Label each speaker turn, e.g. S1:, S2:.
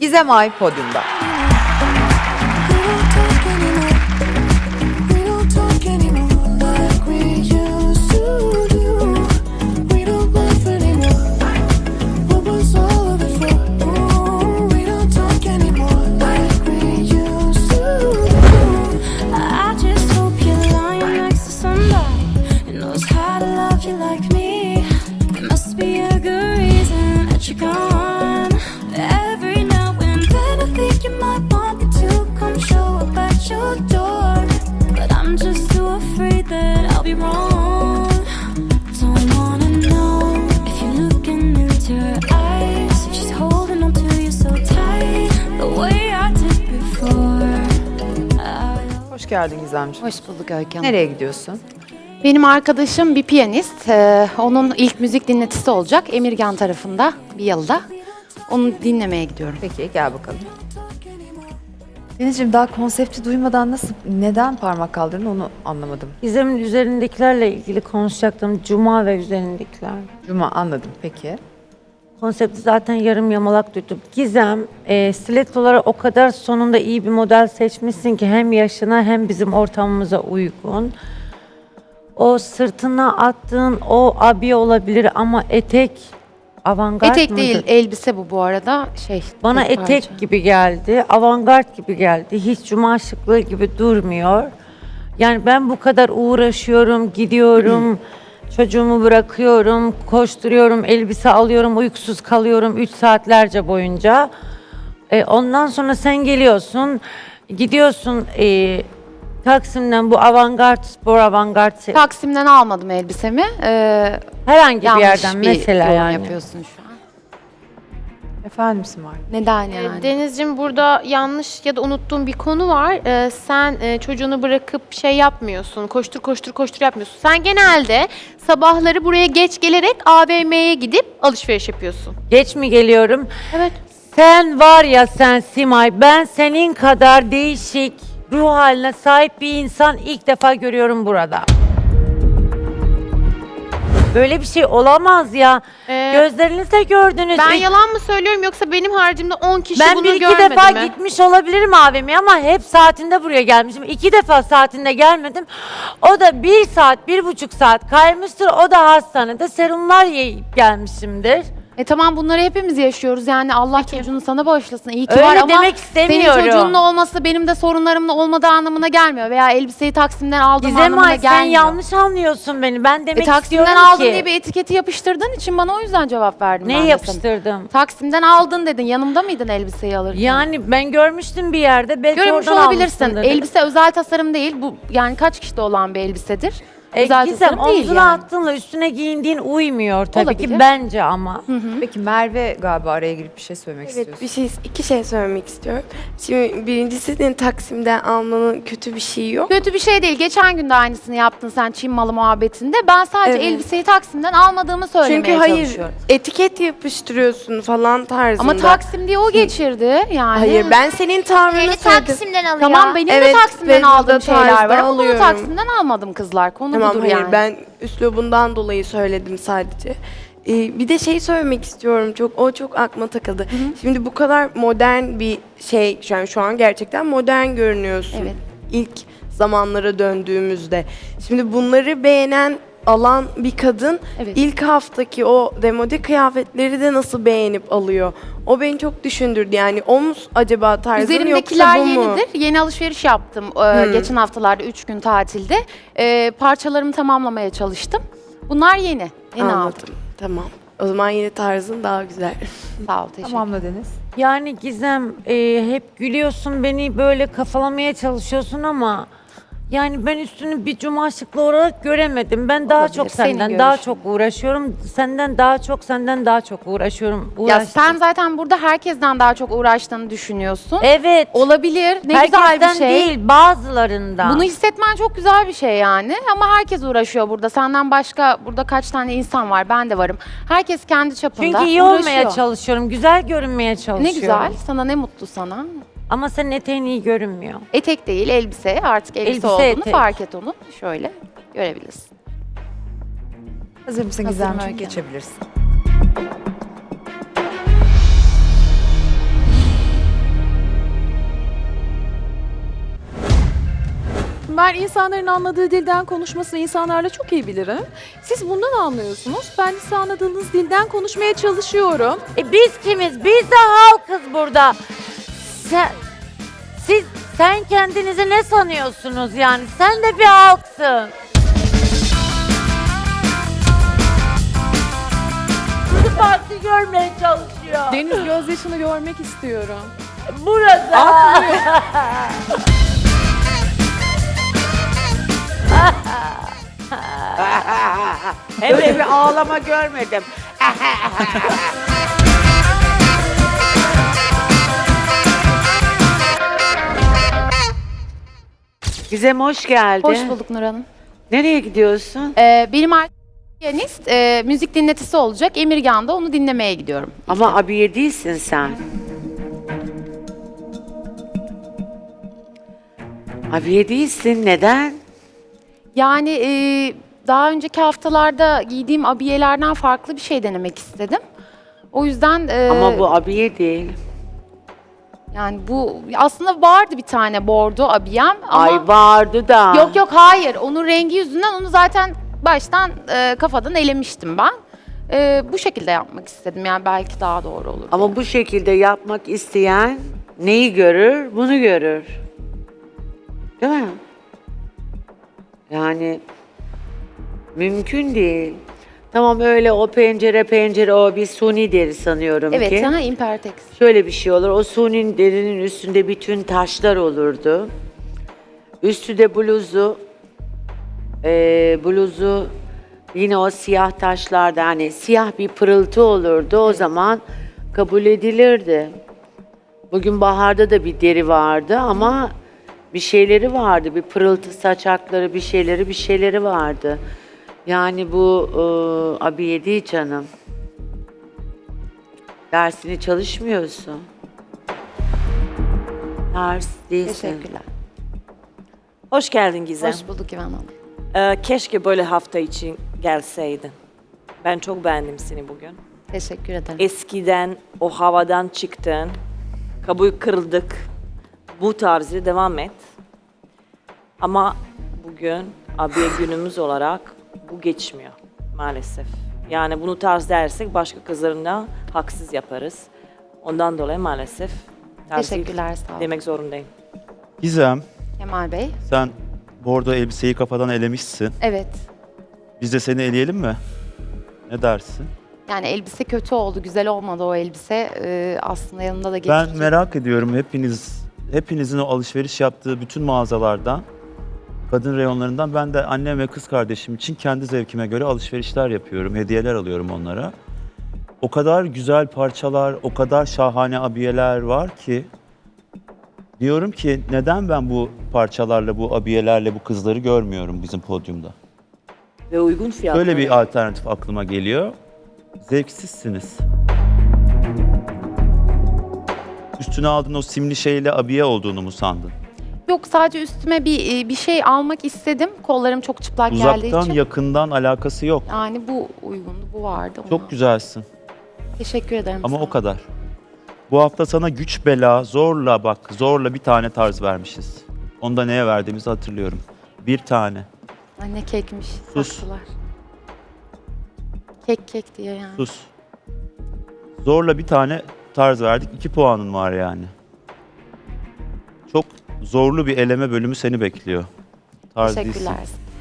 S1: Gizem Ay podyumda. Hoş geldin Gizemciğim.
S2: Hoş bulduk Öykü Hanım.
S1: Nereye gidiyorsun?
S2: Benim arkadaşım bir piyanist. Onun ilk müzik dinletisi olacak Emirgan tarafında bir yılda. Onu dinlemeye gidiyorum.
S1: Peki gel bakalım. Denizciğim daha konsepti duymadan neden parmak kaldırdın onu anlamadım.
S3: Gizem'in üzerindekilerle ilgili konuşacaktım. Cuma ve üzerindekiler.
S1: Cuma anladım peki.
S3: Konsepti zaten yarım yamalak duydum. Gizem, stilettolara o kadar sonunda iyi bir model seçmişsin ki hem yaşına hem bizim ortamımıza uygun. O sırtına attığın o abi olabilir ama etek avantgard
S2: Etek
S3: mıdır?
S2: değil, elbise bu arada.
S3: Bana
S2: tek
S3: etek
S2: parça.
S3: gibi geldi, avantgard gibi geldi. Hiç cuma şıklığı gibi durmuyor. Yani ben bu kadar uğraşıyorum, gidiyorum, çocuğumu bırakıyorum, koşturuyorum, elbise alıyorum, uykusuz kalıyorum 3 saatlerce boyunca. Ondan sonra sen geliyorsun, gidiyorsun Taksim'den bu avantgard, spor avantgard
S2: Taksim'den almadım elbisemi.
S3: herhangi bir
S2: Yanlış
S3: yerden
S2: bir
S3: mesela
S2: yorum
S3: yani.
S2: yapıyorsun şu an.
S1: Efendim Simay.
S2: Neden yani?
S4: Denizciğim burada yanlış ya da unuttuğum bir konu var. Sen çocuğunu bırakıp şey yapmıyorsun, koştur koştur koştur yapmıyorsun. Sen genelde sabahları buraya geç gelerek AVM'ye gidip alışveriş yapıyorsun.
S3: Geç mi geliyorum?
S4: Evet.
S3: Sen var ya sen Simay, ben senin kadar değişik ruh haline sahip bir insan ilk defa görüyorum burada. Böyle bir şey olamaz ya. Gözlerinizle gördünüz.
S4: Ben yalan mı söylüyorum yoksa benim haricimde 10 kişi
S3: Ben
S4: bunu
S3: bir iki
S4: görmedi
S3: defa
S4: mi?
S3: gitmiş olabilirim AVM'ye ama hep saatinde buraya gelmişim. 2 defa saatinde gelmedim. O da 1 saat, 1,5 saat kaymıştır. O da hastanede serumlar yiyip gelmişimdir.
S2: Tamam bunları hepimiz yaşıyoruz. Yani Allah çocuğunu sana bağışlasın. İyi ki
S3: Öyle
S2: var ama
S3: demek istemiyorum.
S2: senin çocuğunun olması benim de sorunlarımın olmadığı anlamına gelmiyor. Veya elbiseyi Taksim'den aldığım
S3: Gizem
S2: anlamına
S3: Ay, sen
S2: gelmiyor.
S3: yanlış anlıyorsun beni. Ben demek
S2: Taksim'den
S3: istiyorum
S2: aldın
S3: ki.
S2: diye bir etiketi yapıştırdığın için bana o yüzden cevap verdim. ben
S3: Ne
S2: de
S3: yapıştırdım?
S2: sana. Taksim'den aldın dedin. Yanımda mıydın elbiseyi alırken?
S3: Yani ben görmüştüm bir yerde. Belki
S2: Görmüş
S3: oradan
S2: olabilirsin.
S3: almışsındır.
S2: Elbise özel tasarım değil. Bu yani kaç kişide olan bir elbisedir. Özel
S3: Gizem
S2: tasarım değil
S3: omzuna
S2: yani.
S3: attığınla üstüne giyindiğin uymuyor tabii
S2: Olabilir.
S3: ki bence ama.
S1: Peki Merve galiba araya girip bir şey söylemek
S5: Evet,
S1: istiyorsun.
S5: iki şey söylemek istiyorum. Şimdi birincisi senin Taksim'den almanın kötü bir şeyi yok.
S2: Kötü bir şey değil. Geçen gün de aynısını yaptın sen Çin malı muhabbetinde. Ben sadece
S5: Evet.
S2: elbiseyi Taksim'den almadığımı söylemeye
S5: Çünkü hayır,
S2: çalışıyorum.
S5: etiket yapıştırıyorsun falan tarzında.
S2: Ama Taksim diye o geçirdi yani.
S5: Hayır, ben senin tavrını
S6: Beni
S5: söyledim.
S6: Taksim'den alıyor.
S2: Tamam benim
S5: Evet,
S2: de Taksim'den
S5: Facebook'ta
S2: aldığım şeyler var
S5: tarzda
S2: ama bunu
S5: alıyorum.
S2: Taksim'den almadım kızlar. Konu
S5: Tamam,
S2: budur
S5: hayır,
S2: yani.
S5: ben üslubundan dolayı söyledim sadece. Bir de şey söylemek istiyorum, çok aklıma takıldı. Şimdi bu kadar modern bir şey, şu an gerçekten modern görünüyorsun.
S2: Evet.
S5: İlk zamanlara döndüğümüzde. Şimdi bunları beğenen, alan bir kadın
S2: Evet.
S5: ilk haftaki o demode kıyafetleri de nasıl beğenip alıyor? O beni çok düşündürdü. Yani o mu acaba tarzın
S2: Üzerimdekiler
S5: yoksa bu mu?
S2: yenidir. Yeni alışveriş yaptım geçen haftalarda 3 gün tatilde. Parçalarımı tamamlamaya çalıştım. Bunlar yeni. Yeni aldım.
S5: Anladım. Tamam. O zaman yeni tarzın daha güzel.
S2: Sağ ol teşekkür
S1: Tamamla Deniz.
S3: Yani Gizem hep gülüyorsun beni böyle kafalamaya çalışıyorsun ama yani ben üstünü bir cuma şıklı olarak göremedim. Ben daha
S2: Olabilir,
S3: çok
S2: senin
S3: senden daha
S2: görüşün.
S3: çok uğraşıyorum. Senden daha çok uğraşıyorum.
S2: Ya
S3: Uğraştım.
S2: sen zaten burada herkesten daha çok uğraştığını düşünüyorsun.
S3: Evet.
S2: Olabilir. Ne güzel bir
S3: Herkesten
S2: şey.
S3: değil bazılarından.
S2: Bunu hissetmen çok güzel bir şey yani. Ama herkes uğraşıyor burada. Senden başka burada kaç tane insan var? Ben de varım. Herkes kendi çapında
S3: Çünkü iyi
S2: uğraşıyor.
S3: olmaya çalışıyorum. Güzel görünmeye çalışıyorum.
S2: Ne güzel. Sana ne mutlu sana.
S3: Ama senin eteğin iyi görünmüyor.
S2: Etek değil elbise. Artık elbise,
S3: Elbise,
S2: olduğunu
S3: etek.
S2: fark et onu. Şöyle görebilirsin.
S1: Hazır mısın
S2: Hazırım
S1: Gizemciğim?
S2: Öykü.
S1: Geçebilirsin.
S6: biliyorsun. Ben insanların anladığı dilden konuşmasını insanlarla çok iyi bilirim. Siz bundan anlıyorsunuz. Ben de size anladığınız dilden konuşmaya çalışıyorum.
S3: Biz kimiz? Biz de halkız burada. Sen kendinizi ne sanıyorsunuz yani? Sen de bir halksın. Bizi farklı görmeye çalışıyor.
S6: Deniz gözyaşını görmek istiyorum.
S3: Burada.
S7: Öyle bir ağlama görmedim. Gizem hoş geldin.
S2: Hoş bulduk Nur Hanım.
S7: Nereye gidiyorsun?
S2: Benim arkadaşım piyanist, müzik dinletisi olacak. Emirgan'da onu dinlemeye gidiyorum.
S7: Ama abiye değilsin sen. Abiye değilsin. Neden?
S2: Yani daha önceki haftalarda giydiğim abiyelerden farklı bir şey denemek istedim. O yüzden
S7: Ama bu abiye değil.
S2: yani bu aslında vardı bir tane bordo abiyem ama
S7: Ay vardı da.
S2: yok hayır. Onun rengi yüzünden onu zaten baştan kafadan elemiştim ben. Bu şekilde yapmak istedim yani belki daha doğru olur.
S7: Ama bu şekilde yapmak isteyen neyi görür? Bunu görür. Değil mi? Yani mümkün değil. Tamam öyle o pencere o bir suni deri sanıyorum ki.
S2: Evet, ha Impertex.
S7: Şöyle bir şey olur. O suni derinin üstünde bütün taşlar olurdu. Üstü de bluzu yine o siyah taşlarda hani siyah bir pırıltı olurdu. O zaman kabul edilirdi. Bugün baharda da bir deri vardı ama bir şeyleri vardı. Bir pırıltı saçakları, bir şeyleri vardı. Yani bu abiye değil canım. Dersini çalışmıyorsun. Tarz değilsin.
S2: Teşekkürler.
S8: Hoş geldin Gizem.
S2: Hoş bulduk İvan Hanım.
S8: Keşke böyle hafta için gelseydin. Ben çok beğendim seni bugün.
S2: Teşekkür ederim.
S8: Eskiden o havadan çıktın, kabul kırıldık. Bu tarzı devam et. Ama bugün abiye günümüz olarak bu geçmiyor maalesef. Yani bunu tarz dersek başka kızlarına haksız yaparız. Ondan dolayı maalesef tarzı
S2: Teşekkürler, sağ olun.
S8: demek zorundayım.
S9: Gizem,
S2: Kemal Bey.
S9: sen bordo elbiseyi kafadan elemişsin.
S2: Evet.
S9: Biz de seni eleyelim mi? Ne dersin?
S2: Yani elbise kötü oldu, güzel olmadı o elbise. Aslında yanında da getirecek.
S9: Ben merak ediyorum hepinizin o alışveriş yaptığı bütün mağazalardan, kadın reyonlarından ben de annem ve kız kardeşim için kendi zevkime göre alışverişler yapıyorum, hediyeler alıyorum onlara. O kadar güzel parçalar, o kadar şahane abiyeler var ki diyorum ki neden ben bu parçalarla, bu abiyelerle bu kızları görmüyorum bizim podyumda?
S8: Ve uygun fiyatlı.
S9: Böyle bir alternatif aklıma geliyor. Zevksizsiniz. Üstüne aldığın o simli şeyle abiye olduğunu mu sandın?
S2: Yok, sadece üstüme bir şey almak istedim. Kollarım çok çıplak geldiği
S9: Uzaktan,
S2: için.
S9: yakından alakası yok.
S2: Yani bu uygundu, bu vardı. ona.
S9: Çok güzelsin
S2: Teşekkür ederim.
S9: ama
S2: sağ
S9: o
S2: olun.
S9: kadar. Bu hafta sana güç bela, zorla bir tane tarz vermişiz. Onu da neye verdiğimizi hatırlıyorum. Bir tane.
S2: Ay, ne kekmiş.
S9: Sus.
S2: Saklılar. Kek diye yani.
S9: Sus. Zorla bir tane tarz verdik. 2 puanın var yani. Çok zorlu bir eleme bölümü seni bekliyor. Tarz değilsin.
S2: Teşekkürler.